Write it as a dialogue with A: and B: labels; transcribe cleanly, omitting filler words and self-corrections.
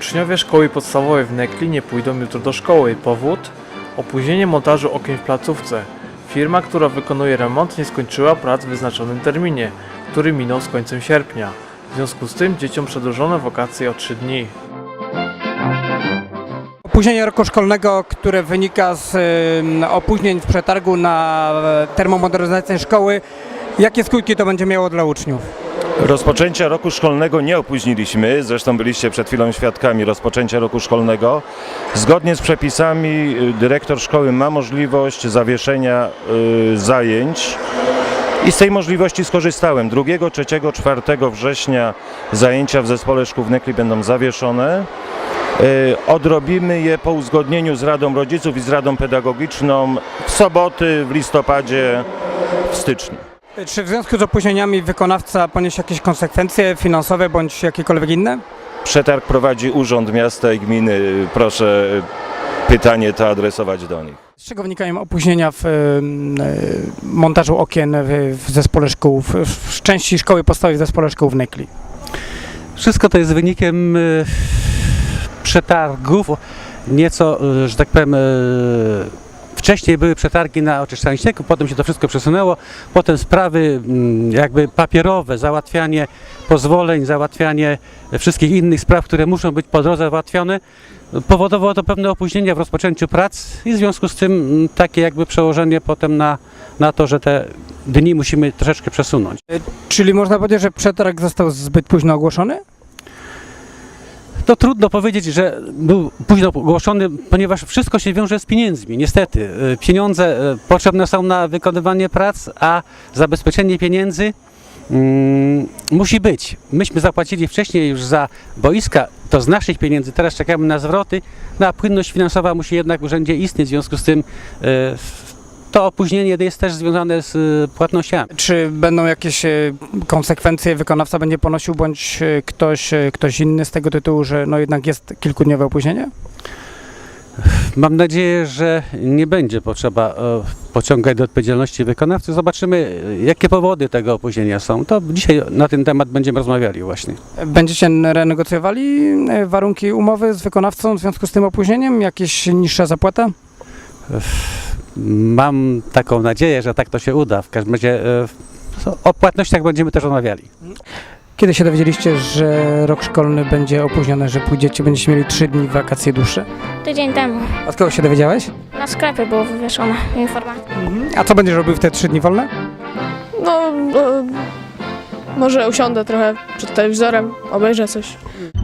A: Uczniowie szkoły podstawowej w Nekli nie pójdą jutro do szkoły. Powód? Opóźnienie montażu okien w placówce. Firma, która wykonuje remont, nie skończyła prac w wyznaczonym terminie, który minął z końcem sierpnia. W związku z tym dzieciom przedłużono wakacje o 3 dni.
B: Opóźnienie roku szkolnego, które wynika z opóźnień w przetargu na termomodernizację szkoły, jakie skutki to będzie miało dla uczniów?
C: Rozpoczęcia roku szkolnego nie opóźniliśmy, zresztą byliście przed chwilą świadkami rozpoczęcia roku szkolnego. Zgodnie z przepisami dyrektor szkoły ma możliwość zawieszenia zajęć i z tej możliwości skorzystałem. 2, 3, 4 września zajęcia w zespole szkół w Nekli będą zawieszone. Odrobimy je po uzgodnieniu z Radą Rodziców i z Radą Pedagogiczną w soboty, w listopadzie, w styczniu.
B: Czy w związku z opóźnieniami wykonawca poniesie jakieś konsekwencje finansowe bądź jakiekolwiek inne?
C: Przetarg prowadzi Urząd Miasta i Gminy. Proszę pytanie to adresować do nich.
B: Z czego wynikają opóźnienia w montażu okien w zespole szkół, w części szkoły podstawowej w zespole szkół w Nekli?
D: Wszystko to jest wynikiem przetargów, nieco, że tak powiem, wcześniej były przetargi na oczyszczanie ścieków, potem się to wszystko przesunęło, potem sprawy jakby papierowe, załatwianie pozwoleń, załatwianie wszystkich innych spraw, które muszą być po drodze załatwione, powodowało to pewne opóźnienia w rozpoczęciu prac i w związku z tym takie jakby przełożenie potem na to, że te dni musimy troszeczkę przesunąć.
B: Czyli można powiedzieć, że przetarg został zbyt późno ogłoszony?
D: To trudno powiedzieć, że był późno ogłoszony, ponieważ wszystko się wiąże z pieniędzmi. Niestety, pieniądze potrzebne są na wykonywanie prac, a zabezpieczenie pieniędzy musi być. Myśmy zapłacili wcześniej już za boiska, to z naszych pieniędzy, teraz czekamy na zwroty, no a płynność finansowa musi jednak w urzędzie istnieć, w związku z tym to opóźnienie jest też związane z płatnościami.
B: Czy będą jakieś konsekwencje wykonawca będzie ponosił, bądź ktoś inny z tego tytułu, że no jednak jest kilkudniowe opóźnienie?
D: Mam nadzieję, że nie będzie potrzeba pociągać do odpowiedzialności wykonawcy. Zobaczymy, jakie powody tego opóźnienia są. To dzisiaj na ten temat będziemy rozmawiali właśnie.
B: Będziecie renegocjowali warunki umowy z wykonawcą w związku z tym opóźnieniem? Jakieś niższa zapłata?
D: Mam taką nadzieję, że tak to się uda. W każdym razie o płatnościach będziemy też rozmawiali.
B: Kiedy się dowiedzieliście, że rok szkolny będzie opóźniony, że będziecie mieli 3 dni wakacji dłuższe?
E: Tydzień temu.
B: Od kogo się dowiedziałeś?
E: Na sklepie było wywieszone informacja.
B: A co będziesz robił w te 3 dni wolne?
F: No, może usiądę trochę przed telewizorem, obejrzę coś.